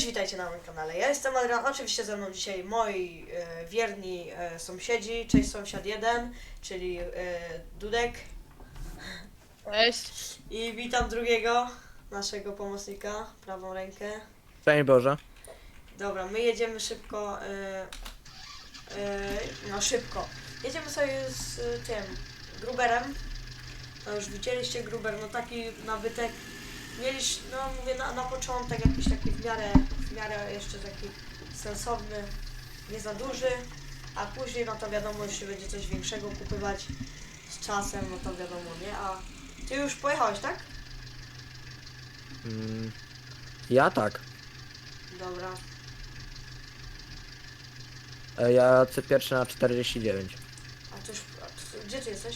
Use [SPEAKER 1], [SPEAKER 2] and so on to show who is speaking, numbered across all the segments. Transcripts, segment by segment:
[SPEAKER 1] Cześć, witajcie na moim kanale. Ja jestem Adrian, oczywiście ze mną dzisiaj moi wierni sąsiedzi. Cześć sąsiad 1, czyli Dudek.
[SPEAKER 2] Cześć.
[SPEAKER 1] I witam drugiego, naszego pomocnika, prawą rękę.
[SPEAKER 3] Szczęść Boże.
[SPEAKER 1] Dobra, my jedziemy szybko, no szybko. Jedziemy sobie z tym Gruberem. No już widzieliście Gruber, no taki nabytek. Mieliśmy, no mówię na początek jakiś taki w miarę jeszcze taki sensowny, nie za duży, a później no to wiadomo, jeśli będzie coś większego kupywać z czasem, no to wiadomo, nie? A ty już pojechałeś, tak?
[SPEAKER 3] Ja tak.
[SPEAKER 1] Dobra.
[SPEAKER 3] Ja lecę pierwszy na 49.
[SPEAKER 1] Gdzie ty jesteś?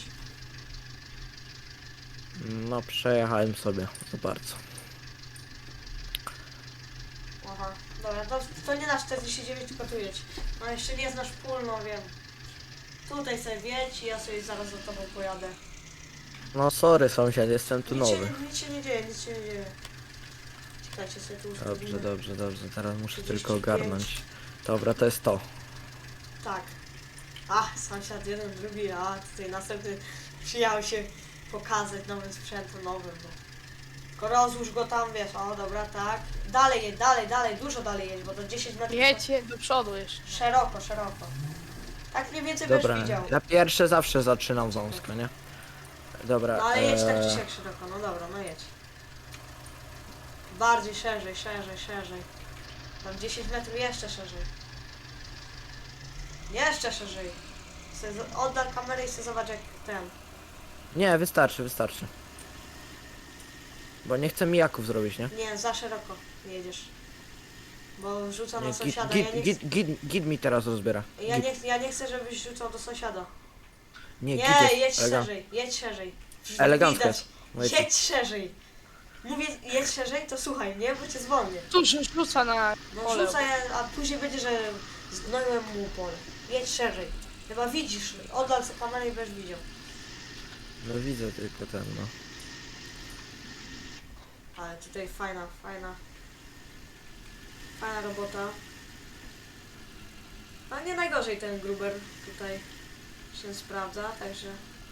[SPEAKER 3] No przejechałem sobie za bardzo.
[SPEAKER 1] Aha, dobra, to nie na 49, tylko tu jedź. No jeszcze nie znasz pól, no wiem. Tutaj sobie wiedź i ja sobie zaraz za tobą pojadę.
[SPEAKER 3] No sorry sąsiad, jestem tu nowy.
[SPEAKER 1] Nic się nie dzieje, nic się nie dzieje. Czekajcie sobie tu ustawimy.
[SPEAKER 3] Dobrze, teraz muszę
[SPEAKER 1] 35.
[SPEAKER 3] tylko ogarnąć. Dobra, to jest to.
[SPEAKER 1] Tak. A, sąsiad jeden, drugi, a tutaj następny przyjechał się pokazać nowym sprzętem nowym, bo tylko rozłóż go tam, wiesz, o dobra, tak. Dalej jedź, dalej, dużo dalej jedź, bo to 10 metrów.
[SPEAKER 2] Jedźcie do przodu jeszcze.
[SPEAKER 1] Szeroko. Tak mniej więcej
[SPEAKER 3] Dobra,
[SPEAKER 1] będziesz widział.
[SPEAKER 3] ja pierwszy zawsze zaczynam wąsko, nie? Dobra.
[SPEAKER 1] No ale jedź tak czy siak szeroko, no dobra, no jedź. Bardziej szerzej. Tam 10 metrów jeszcze szerzej. Jeszcze szerzej. Oddal kamerę i sobie zobacz jak ten.
[SPEAKER 3] Nie, wystarczy. Bo nie chcę mijaków zrobić, nie?
[SPEAKER 1] Nie, za szeroko jedziesz. Bo rzuca
[SPEAKER 3] Nie,
[SPEAKER 1] na sąsiada.
[SPEAKER 3] git mi teraz rozbiera. Git.
[SPEAKER 1] Ja nie chcę, żebyś rzucał do sąsiada.
[SPEAKER 3] Nie, git
[SPEAKER 1] Nie,
[SPEAKER 3] jest
[SPEAKER 1] jedź szerzej.
[SPEAKER 3] elegancko
[SPEAKER 1] Widać.
[SPEAKER 3] jest. Mówię ci.
[SPEAKER 1] Jedź szerzej. Mówię, jedź szerzej, to słuchaj, nie? Bo cię zwolnię.
[SPEAKER 2] Tu się rzuca na
[SPEAKER 1] No
[SPEAKER 2] pole.
[SPEAKER 1] rzucaj, a później będzie, że zgnoiłem mu pole. Jedź szerzej. Chyba widzisz, oddal sobie kamerę i będziesz widział.
[SPEAKER 3] No widzę tylko ten, no.
[SPEAKER 1] Ale tutaj fajna robota. No nie najgorzej ten Gruber tutaj się sprawdza, także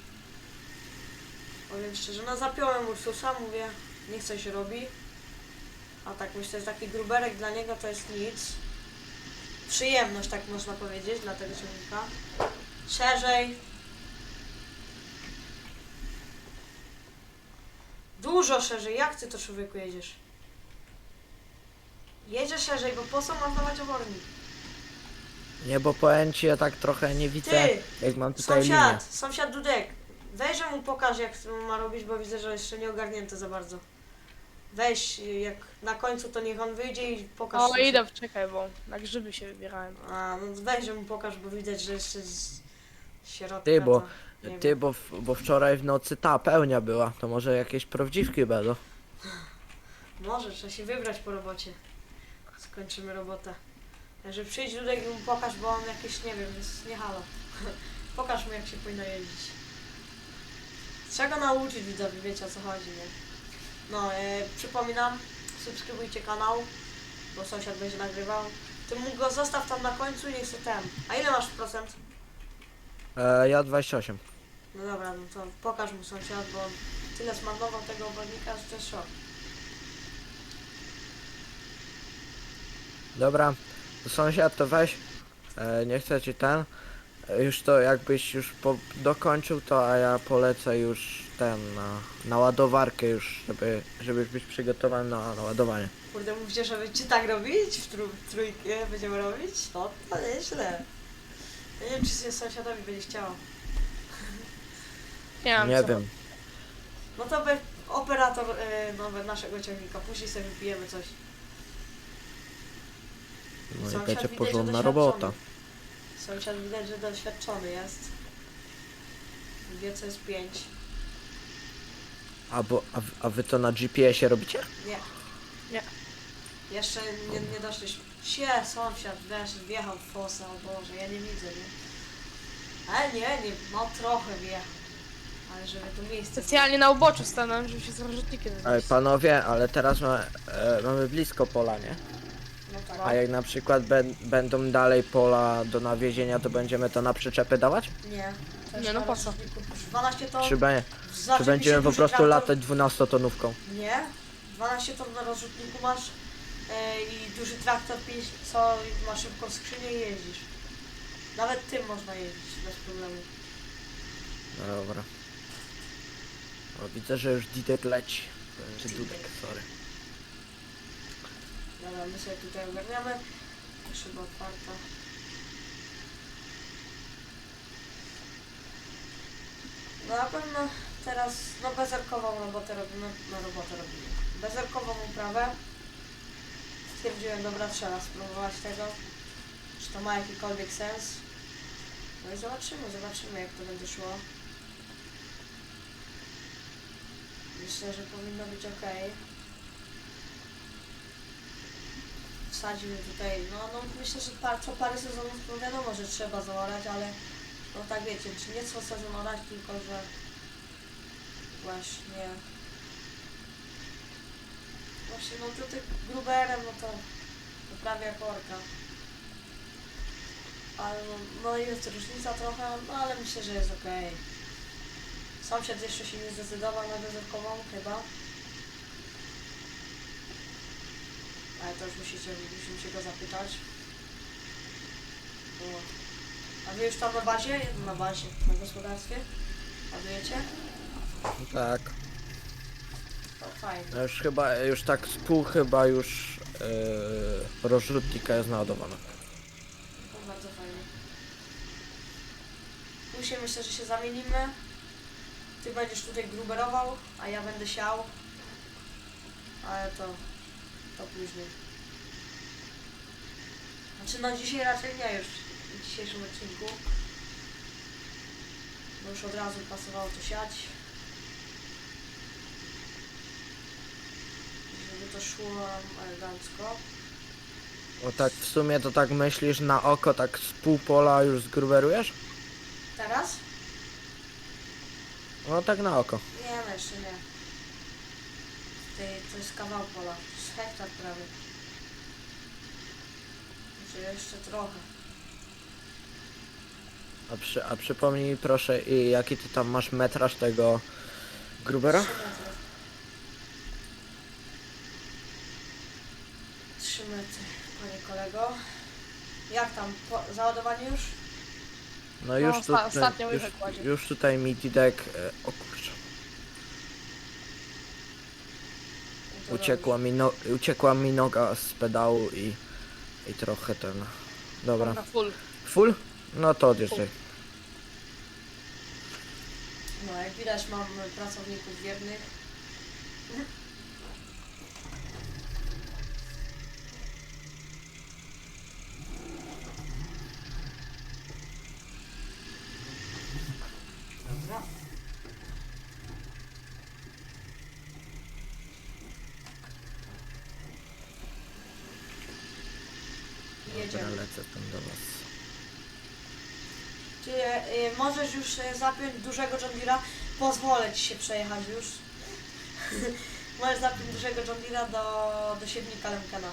[SPEAKER 1] powiem szczerze, no zapiąłem Ursusa, mówię, niech coś robi. A tak myślę, że taki Gruberek dla niego to jest nic. Przyjemność, tak można powiedzieć, dla tego ciągnika. Szerzej. Dużo szerzej, jak ty to człowieku jedziesz? Jedziesz szerzej, bo po co masz dawać obornik?
[SPEAKER 3] Nie, bo powiem ci, ja tak trochę nie widzę,
[SPEAKER 1] Ty,
[SPEAKER 3] jak mam tutaj linię.
[SPEAKER 1] Sąsiad Dudek, weź, że mu pokaż jak ma robić, bo widzę, że jeszcze nie ogarnięte za bardzo. Weź, jak na końcu to niech on wyjdzie i pokaż.
[SPEAKER 2] O,
[SPEAKER 1] sąsiad.
[SPEAKER 2] idę, czekaj, bo na grzyby się wybierałem.
[SPEAKER 1] A, no weź, że mu pokaż, bo widać, że jeszcze z środka
[SPEAKER 3] Ty, bo,
[SPEAKER 1] to nie
[SPEAKER 3] ty
[SPEAKER 1] wiem.
[SPEAKER 3] bo wczoraj w nocy ta pełnia była, to może jakieś prawdziwki będą.
[SPEAKER 1] Może, trzeba się wybrać po robocie. Skończymy robotę. Także przyjdź Dudek i mu pokaż, bo on jakieś, nie wiem, jest nie halo. Pokaż mu jak się powinno jeździć. Trzeba go nauczyć widzowie, wiecie o co chodzi, nie? No, przypominam, subskrybujcie kanał, bo sąsiad będzie nagrywał. Ty mu go zostaw tam na końcu i niech se ten. A ile masz procent?
[SPEAKER 3] Ja 28.
[SPEAKER 1] No dobra, no to pokaż mu sąsiad, bo on tyle zmarnował tego obornika, że to jest szok.
[SPEAKER 3] Dobra, sąsiad to weź, nie chcę ci ten, już to jakbyś już dokończył to, a ja polecę już ten, na ładowarkę już, żebyś być przygotowany na ładowanie.
[SPEAKER 1] Kurde, mówicie, że będziecie tak robić? W trójkę będziemy robić? No, to nieźle. Ja nie wiem, czy się sąsiadowi będzie chciało.
[SPEAKER 2] Nie mam
[SPEAKER 3] Nie
[SPEAKER 2] co.
[SPEAKER 3] wiem,
[SPEAKER 1] No to by operator nowy naszego ciągnika. Później sobie wypijemy coś.
[SPEAKER 3] no i
[SPEAKER 1] Sąsiad
[SPEAKER 3] będzie
[SPEAKER 1] widać, że
[SPEAKER 3] porządna
[SPEAKER 1] doświadczony.
[SPEAKER 3] robota.
[SPEAKER 1] Sąsiad widać, że doświadczony jest. Wie, co jest 5.
[SPEAKER 3] A wy to na GPS-ie robicie?
[SPEAKER 1] Nie.
[SPEAKER 2] Nie.
[SPEAKER 1] Jeszcze nie doszliśmy. Sąsiad, wiesz, wjechał w fosę, o Boże, ja nie widzę, nie? Ale nie, no trochę wjechał. Ale żeby to miejsce...
[SPEAKER 2] Specjalnie na uboczu stanąłem, żeby się z rozrzutnikiem
[SPEAKER 3] Ej,
[SPEAKER 2] zmieścić.
[SPEAKER 3] panowie, ale teraz mamy blisko pola, nie?
[SPEAKER 1] No.
[SPEAKER 3] A jak na przykład będą dalej pola do nawiezienia, to będziemy to na przyczepy dawać?
[SPEAKER 1] Nie. To
[SPEAKER 2] Nie,
[SPEAKER 1] jest
[SPEAKER 2] no
[SPEAKER 1] na
[SPEAKER 2] po co?
[SPEAKER 1] rozrzutniku. 12 ton.
[SPEAKER 3] Czy będziemy po prostu latać 12-tonówką?
[SPEAKER 1] Nie. 12 ton na rozrzutniku masz i duży traktor 5, co ma szybką skrzynię i jeździsz. Nawet tym można jeździć bez problemu.
[SPEAKER 3] No dobra. O, widzę, że już Didek leci. Czy Dudek, sorry.
[SPEAKER 1] Dobra, my sobie tutaj ogarniamy. Szyba otwarta. No na pewno teraz bezerkową robotę robimy. Bezerkową uprawę. Stwierdziłem, dobra, trzeba spróbować tego. Czy to ma jakikolwiek sens. No i zobaczymy jak to będzie szło. Myślę, że powinno być ok. Wsadzimy tutaj, no myślę, że co parę sezonów to wiadomo, że trzeba zaorać, ale no tak wiecie, czy nie co sezon orać, tylko że właśnie no to tych gruberem, no to prawie jak orka. Ale no jest różnica trochę, no ale myślę, że jest ok. Sąsiad jeszcze się nie zdecydował na bezerkową chyba. Ale to już musimy się go zapytać. O. A wy już tam na bazie? Na bazie, na gospodarstwie? Ładujecie?
[SPEAKER 3] Tak.
[SPEAKER 1] To fajnie.
[SPEAKER 3] No już tak z pół chyba już rozrzutnika jest naładowana.
[SPEAKER 1] To bardzo fajnie. Później myślę, że się zamienimy. Ty będziesz tutaj gruberował, a ja będę siał. Ale to później. Znaczy no dzisiaj raczej nie już w dzisiejszym odcinku. Bo już od razu pasowało to siać. Żeby to szło elegancko.
[SPEAKER 3] O tak w sumie to tak myślisz na oko, tak z pół pola już zgruberujesz?
[SPEAKER 1] Teraz?
[SPEAKER 3] No tak na oko.
[SPEAKER 1] Nie, no jeszcze nie. To jest kawał pola. To jest hektar prawie. Znaczy jeszcze trochę.
[SPEAKER 3] A przypomnij mi proszę, jaki ty tam masz metraż tego grubera?
[SPEAKER 1] 3 metry. 3 metry, panie kolego. Jak tam? Załadowanie już?
[SPEAKER 3] No już,
[SPEAKER 2] ostatnio łyżek kładzie.
[SPEAKER 3] już tutaj mi Didek, o kurczę,
[SPEAKER 1] No to
[SPEAKER 3] uciekła mi noga z pedału i trochę ten, dobra.
[SPEAKER 2] Na full.
[SPEAKER 3] Full? No to odjeżdżaj.
[SPEAKER 1] No jak widać mam pracowników wiernych. Dobra.
[SPEAKER 3] Dobra,
[SPEAKER 1] Jedziemy.
[SPEAKER 3] lecę tam do was.
[SPEAKER 1] Ty możesz już zapiąć dużego John Deere'a? Pozwolę ci się przejechać już. Możesz zapiąć dużego John Deere'a do siewnika Lemkena.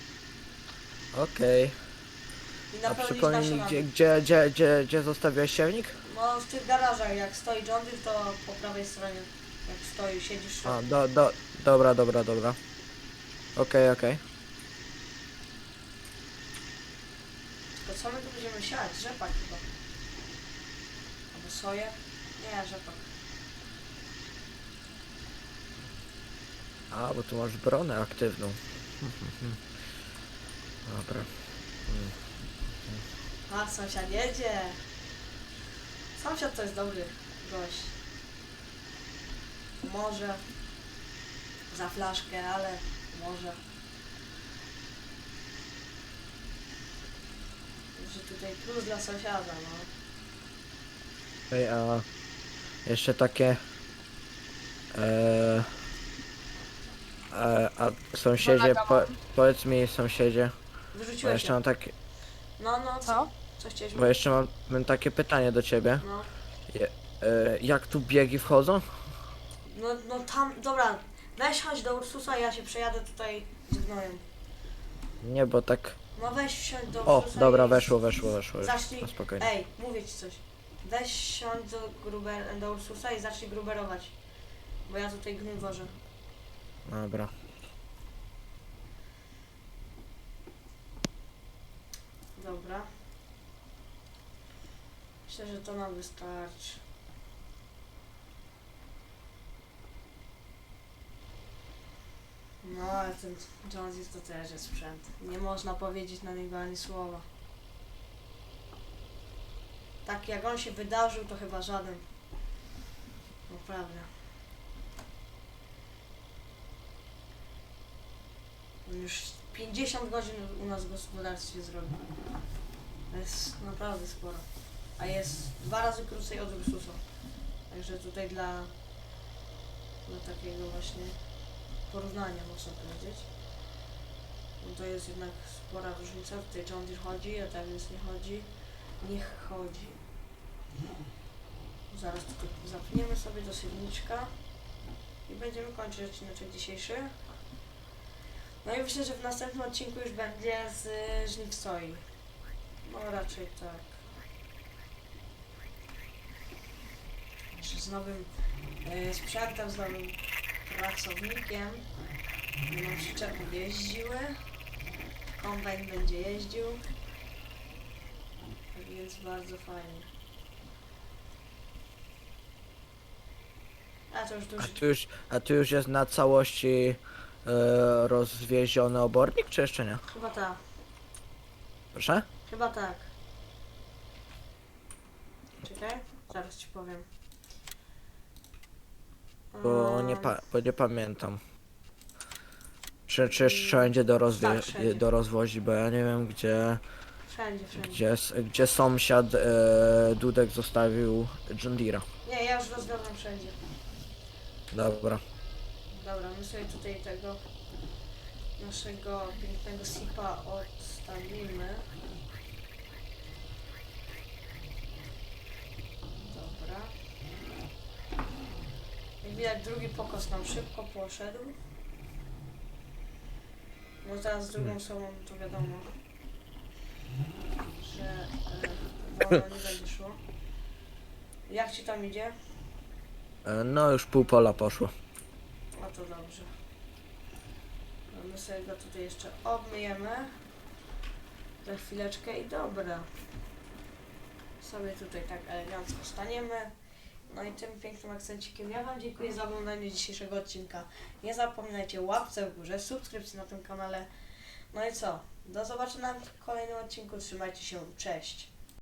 [SPEAKER 3] Okej.
[SPEAKER 1] I
[SPEAKER 3] A
[SPEAKER 1] napełnić
[SPEAKER 3] przypomnij mi,
[SPEAKER 1] naszą
[SPEAKER 3] gdzie zostawiłeś siewnik?
[SPEAKER 1] No w tych garażach, jak stoi John Deere, to po prawej stronie. Jak stoi, siedzisz.
[SPEAKER 3] A, dobra. Okej.
[SPEAKER 1] Tylko co my tu będziemy siać? Rzepak chyba. Albo soję? Nie, rzepak.
[SPEAKER 3] A, bo tu masz bronę aktywną. Dobra.
[SPEAKER 1] A, sąsiad jedzie. Sąsiad to jest dobry gość. Może za flaszkę, ale może. Że tutaj plus dla sąsiada, no.
[SPEAKER 3] Ej, a jeszcze takie... a sąsiedzie, powiedz mi sąsiedzie, bo
[SPEAKER 1] Wyrzuciłeś
[SPEAKER 3] jeszcze
[SPEAKER 1] ją.
[SPEAKER 3] mam takie,
[SPEAKER 1] No,
[SPEAKER 2] Co?
[SPEAKER 1] co chciałeś
[SPEAKER 3] bo jeszcze mam takie pytanie do ciebie.
[SPEAKER 1] No.
[SPEAKER 3] Jak tu biegi wchodzą?
[SPEAKER 1] No tam, dobra. Weź chodź do Ursusa, ja się przejadę tutaj z gnojem.
[SPEAKER 3] Nie, bo tak...
[SPEAKER 1] No weź wsiądź do
[SPEAKER 3] O,
[SPEAKER 1] Ursusa
[SPEAKER 3] dobra,
[SPEAKER 1] i
[SPEAKER 3] weszło już.
[SPEAKER 1] Zacznij.
[SPEAKER 3] No spokojnie.
[SPEAKER 1] Ej, mówię ci coś. Weź wsiądź do Ursusa i zacznij gruberować. Bo ja tutaj gnój wożę.
[SPEAKER 3] Dobra.
[SPEAKER 1] Dobra. Myślę, że to nam wystarczy. No, ale ten Jonesy to też jest sprzęt. Nie można powiedzieć na niego ani słowa. Tak jak on się wydarzył, to chyba żaden. Naprawdę. On już 50 godzin u nas w gospodarstwie zrobił. To jest naprawdę sporo. A jest 2 razy krócej od Ursusa. Także tutaj dla takiego właśnie porównania można powiedzieć. No to jest jednak spora różnica. Tutaj John Deere chodzi, a tak więc nie chodzi. Niech chodzi. Zaraz tylko zapniemy sobie do silniczka i będziemy kończyć odcinek dzisiejszy. No i myślę, że w następnym odcinku już będzie z żniw soi. No raczej tak. Jeszcze z nowym sprzętem, z nowym pracownikiem. Będą przyczepy jeździły. Kombajn będzie jeździł. Tak więc bardzo fajnie. A to już duży.
[SPEAKER 3] A tu już jest na całości rozwieziony obornik, czy jeszcze nie?
[SPEAKER 1] Chyba tak.
[SPEAKER 3] Proszę?
[SPEAKER 1] Chyba tak. Czekaj, zaraz ci powiem.
[SPEAKER 3] Bo nie pamiętam. Czy jeszcze będzie do,
[SPEAKER 1] Tak, wszędzie.
[SPEAKER 3] do rozwozi, bo ja nie wiem
[SPEAKER 1] Wszędzie.
[SPEAKER 3] gdzie sąsiad Dudek zostawił John Deere'a.
[SPEAKER 1] Nie, ja już rozwiązam wszędzie.
[SPEAKER 3] Dobra.
[SPEAKER 1] Dobra, my sobie tutaj tego naszego pięknego sipa odstawimy. Dobra. Jak widać, drugi pokos nam szybko poszedł. No teraz z drugą osobą to wiadomo, że wolno nie będzie szło. Jak ci tam idzie?
[SPEAKER 3] No już pół pola poszło.
[SPEAKER 1] No to dobrze. No my sobie go tutaj jeszcze obmyjemy. Za chwileczkę i dobra. Sobie tutaj tak elegancko staniemy. No i tym pięknym akcencikiem ja wam dziękuję za oglądanie dzisiejszego odcinka. Nie zapominajcie łapce w górze, subskrypcji na tym kanale. No i co? Do zobaczenia w kolejnym odcinku. Trzymajcie się. Cześć.